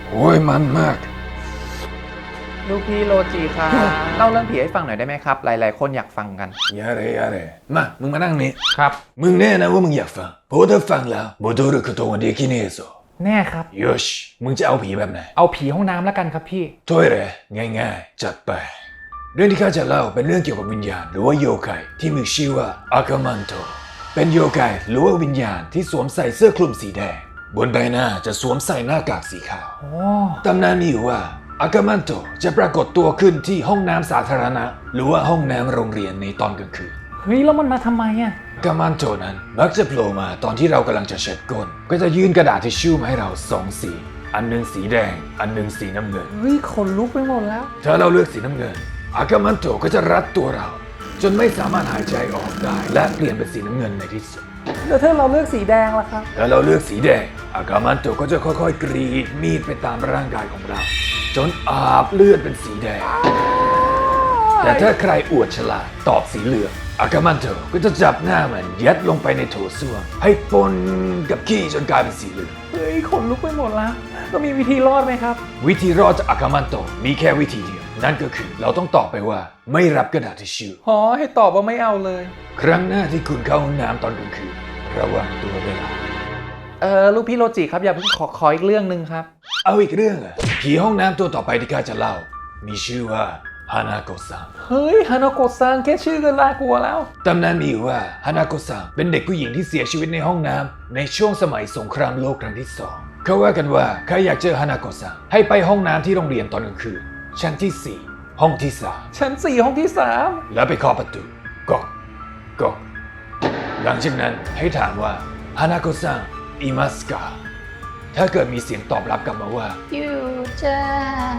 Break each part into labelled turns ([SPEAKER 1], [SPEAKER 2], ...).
[SPEAKER 1] โอ้ยมันมาก
[SPEAKER 2] ลูกพี่โรจิครับเล่าเรื่องผีให้ฟังหน่อยได้ไหมครับหลายๆคนอยากฟังกัน
[SPEAKER 1] อย่าเลยมามึงมานั่งนี่
[SPEAKER 2] ครับ
[SPEAKER 1] มึงแน่นะว่ามึงอยากฟังเพราะถ้าฟังแล้วโมโดรุคุโตะเดคิเนโซ
[SPEAKER 2] แน่ครับ
[SPEAKER 1] โยชมึงจะเอาผีแบบไหน
[SPEAKER 2] เอาผีห้องน้ำแล้วกันครับพี่
[SPEAKER 1] ถ้วยเลยง่ายๆจัดไปเรื่องที่ข้าจะเล่าเป็นเรื่องเกี่ยวกับวิญญาณหรือว่าโยไกที่มีชื่อว่าอากามันโตเป็นโยไกหรือว่าวิญญาณที่สวมใส่เสื้อคลุมสีแดงบนใบหน้าจะสวมใส่หน้ากากสีขาว
[SPEAKER 2] โอ้
[SPEAKER 1] ตำนานมีอยู่ว่าอากามันโตจะปรากฏตัวขึ้นที่ห้องน้ำสาธารณะหรือว่าห้องน้ำโรงเรียนในตอนกลางคืน
[SPEAKER 2] เฮ้ยแล้วมันมาทำไมอ่ะ
[SPEAKER 1] อากามันโตนั้นมักจะโผล่มาตอนที่เรากำลังจะเช็ดก้นก็จะยื่นกระดาษทิชชู่มาให้เราสองสีอันหนึงสีแดงอันหนึงสีน้ำเงิน
[SPEAKER 2] เฮ้ยขนลุกไปหมดแล้ว
[SPEAKER 1] ถ้าเราเลือกสีน้ำเงินอากามันโตก็จะรัดตัวเรา จนไม่สามารถหายใจออกได้และเปลี่ยนเป็นสีน้ำเงินในที่สุด
[SPEAKER 2] แล้วถ้าเราเลือกสีแดงล่ะครับ
[SPEAKER 1] ถ้าเราเลือกสีแดงอากามันโตก็จะค่อยๆกรีดมีดไปตามร่างกายของเรา จนอาบเลือดเป็นสีแดง แต่ถ้าใครอวดฉลาดตอบสีเหลืองอากามันโตก็จะจับหน้ามันยัดลงไปในโถส้วมให้ปนกับขี้จนกลายเป็นสีเหลือง
[SPEAKER 2] เฮ้ยขนลุกไปหมดแล้วก็มีวิธีรอดไหมครับ
[SPEAKER 1] วิธีรอดจากอากามันโตมีแค่วิธีเดียวนั่นก็คือเราต้องตอบไปว่าไม่รับกระดาษทิชชู่
[SPEAKER 2] หอให้ตอบว่าไม่เอาเลย
[SPEAKER 1] ครั้งหน้าที่คุณเข้าห้องน้ำตอนกลางคืนระวังตัวด้วยล่ะ
[SPEAKER 2] ลูกพี่โรจิครับอย่าเพิ่งขออีกเรื่องหนึ่งครับ
[SPEAKER 1] เอาอีกเรื่องอ่ะผีห้องน้ำตัวต่อไปที่ข้าจะเล่า มีชื่อว่าฮานาโกะซัง
[SPEAKER 2] เฮ้ยฮานาโกะซังแค่ชื่อก็น่ากลัวแล้ว
[SPEAKER 1] ตำนานมีอยู่ว่าฮานาโกะซังเป็นเด็กผู้หญิงที่เสียชีวิตในห้องน้ำในช่วงสมัยสงครามโลกครั้งที่สองเขาว่ากันว่าใครอยากเจอฮานาโกะซังให้ไปห้องน้ำที่โรงเรียนตอนกลางคืนชั้นที่ 4 ห้องที่
[SPEAKER 2] ชั้น4ห้องที่
[SPEAKER 1] 3 แล้วไปเคาะประตูก๊อกก๊อกหลังจากนั้นให้ถามว่าฮานาโกะซังอิมัสกาถ้าเกิดมีเสียงตอบรับกลับมาว่า
[SPEAKER 3] อยู่จ้า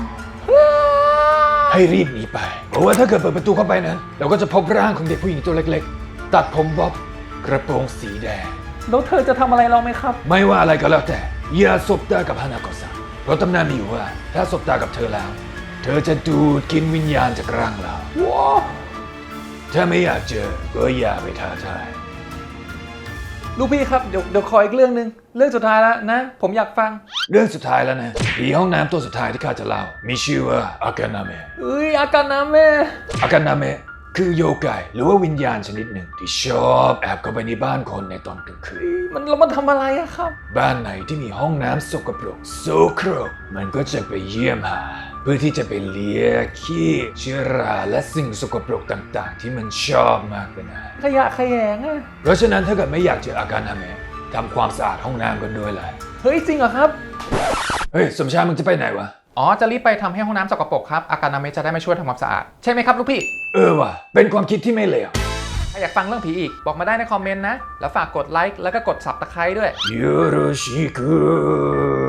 [SPEAKER 1] ให้รีบหนีไป เพราะว่าถ้าเกิดเปิดประตูเข้าไปนั้นเราก็จะพบร่างของเด็กผู้หญิงตัวเล็กๆ ตัดผมบ๊อบกระโปรงสีแดง
[SPEAKER 2] 3แล้วเธอจะทำอะไรเราไหมครับ
[SPEAKER 1] ไม่ว่าอะไรก็แล้วแต่อย่าสบตากับฮานาโกะซังเพราะตำนานมีอยู่ว่าถ้าสบตากับเธอแล้ว เธอจะดูดกินวิญญาณจากร่างเรา
[SPEAKER 2] ว้าว
[SPEAKER 1] ถ้าไม่อยากเจอก็อย่าไปท้าทาย
[SPEAKER 2] ลูกพี่ครับเดี๋ยวขออีกเรื่องหนึ่งเรื่องสุดท้ายแล้วนะ ผมอยากฟัง
[SPEAKER 1] เรื่องสุดท้ายแล้วนะผีห้องน้ำตัวสุดท้ายที่ข้าจะเล่ามีชื่อว่าอากานาเมะ
[SPEAKER 2] เอ้ยอาการน้ำแม่
[SPEAKER 1] อากานาเมะคือโยไกหรือว่าวิญญาณชนิดหนึ่งที่ชอบแอบเข้าไปในบ้านคนในตอนกลางคืน
[SPEAKER 2] มันทำอะไรอะครับ
[SPEAKER 1] บ้านไหนที่มีห้องน้ำสกปรกโสโครกมันก็จะไปเยี่ยมหา เพื่อที่จะไปเลียขี้เชื้อราและสิ่งสกปรกต่างๆ ที่มันชอบมากเลยนะ
[SPEAKER 2] ขยะแขยงอะ
[SPEAKER 1] เพราะฉะนั้นถ้าเกิดไม่อยากเจออาการทำไงทำความสะอาดห้องน้ำกันด้วยแหละ
[SPEAKER 2] เฮ้ยจริงเหรอครับ
[SPEAKER 1] เฮ้ยสมชายมึงจะไปไหนวะ
[SPEAKER 2] อ๋อจะรีบไปทำให้ห้องน้ำสกปรกครับอาการน้ำเมจะได้มาช่วยทำความสะอาดใช่ไหมครับลูกพี่
[SPEAKER 1] ว่ะเป็นความคิดที่ไม่เลว
[SPEAKER 2] ถ้าอยากฟังเรื่องผีอีกบอกมาได้ในคอมเมนต์นะแล้วฝากกดไลค์แล้วก็กด Subscribe ด้วย
[SPEAKER 1] よろしく